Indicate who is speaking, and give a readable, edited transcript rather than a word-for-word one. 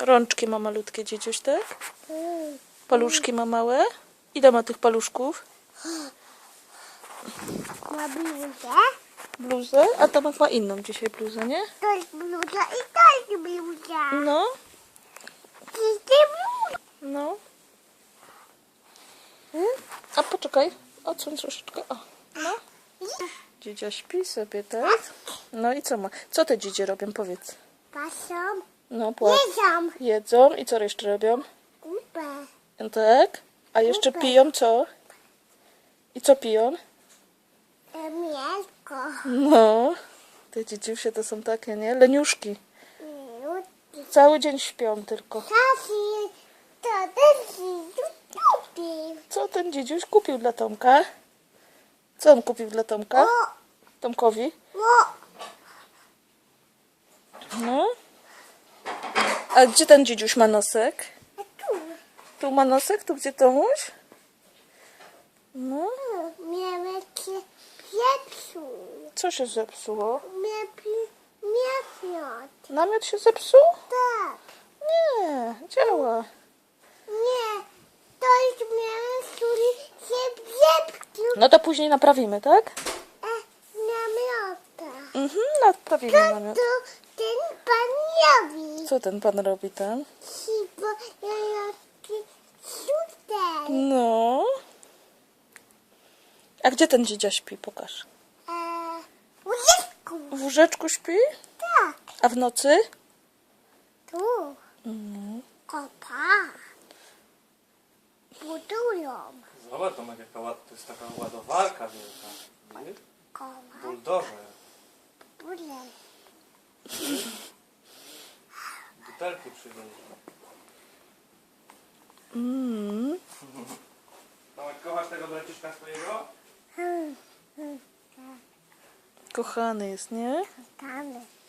Speaker 1: Rączki ma malutkie dzidziuś, tak? Paluszki ma małe. Ile ma tych paluszków?
Speaker 2: Ma bluzę.
Speaker 1: Bluzę? A Tomek ma inną dzisiaj bluzę, nie?
Speaker 2: To jest bluza i to jest bluza.
Speaker 1: No,
Speaker 2: To jest bluza.
Speaker 1: no. A poczekaj, odsuń troszeczkę. O, no. Dzidzia śpi sobie, tak? No i co ma? Co te dzidzie robią, powiedz?
Speaker 2: Pasą.
Speaker 1: No, płacz.
Speaker 2: Jedzą.
Speaker 1: Jedzą i co jeszcze robią?
Speaker 2: Kupę.
Speaker 1: Tak? A jeszcze piją co? I co piją?
Speaker 2: Mięsko.
Speaker 1: No, te dzidziusie to są takie, nie? Leniuszki. Cały dzień śpią tylko.
Speaker 2: Kasi, to też kupił.
Speaker 1: Co ten dzidziuś kupił dla Tomka? Co on kupił dla Tomka? Tomkowi? No. A gdzie ten dzidziuś ma nosek?
Speaker 2: Tu.
Speaker 1: Tu ma nosek? Tu gdzie Tomuś? No.
Speaker 2: Miałem się pieprzu.
Speaker 1: Co się zepsuło?
Speaker 2: Miał
Speaker 1: Namiot się zepsuł?
Speaker 2: Tak.
Speaker 1: Nie, działa.
Speaker 2: Nie. To jest miałem, który się pieprzu.
Speaker 1: No to później naprawimy, tak?
Speaker 2: Namiota.
Speaker 1: Naprawimy namiot.
Speaker 2: To ten pan robi.
Speaker 1: Co ten pan robi tam?
Speaker 2: Bo ja tutaj.
Speaker 1: No. A gdzie ten dzidzia śpi? Pokaż.
Speaker 2: Łóżeczku.
Speaker 1: W łóżeczku śpi?
Speaker 2: Tak.
Speaker 1: A w nocy?
Speaker 2: Tu. Kopa. Budują.
Speaker 3: Zobacz, Tomek, to jest taka ładowarka wielka. Nie?
Speaker 2: Koła.
Speaker 3: Buldożer.
Speaker 2: Bule.
Speaker 3: Butelki przywieźli. Tomek, kochasz tego braciszka swojego?
Speaker 1: Kochany jest, nie?
Speaker 2: Tamy.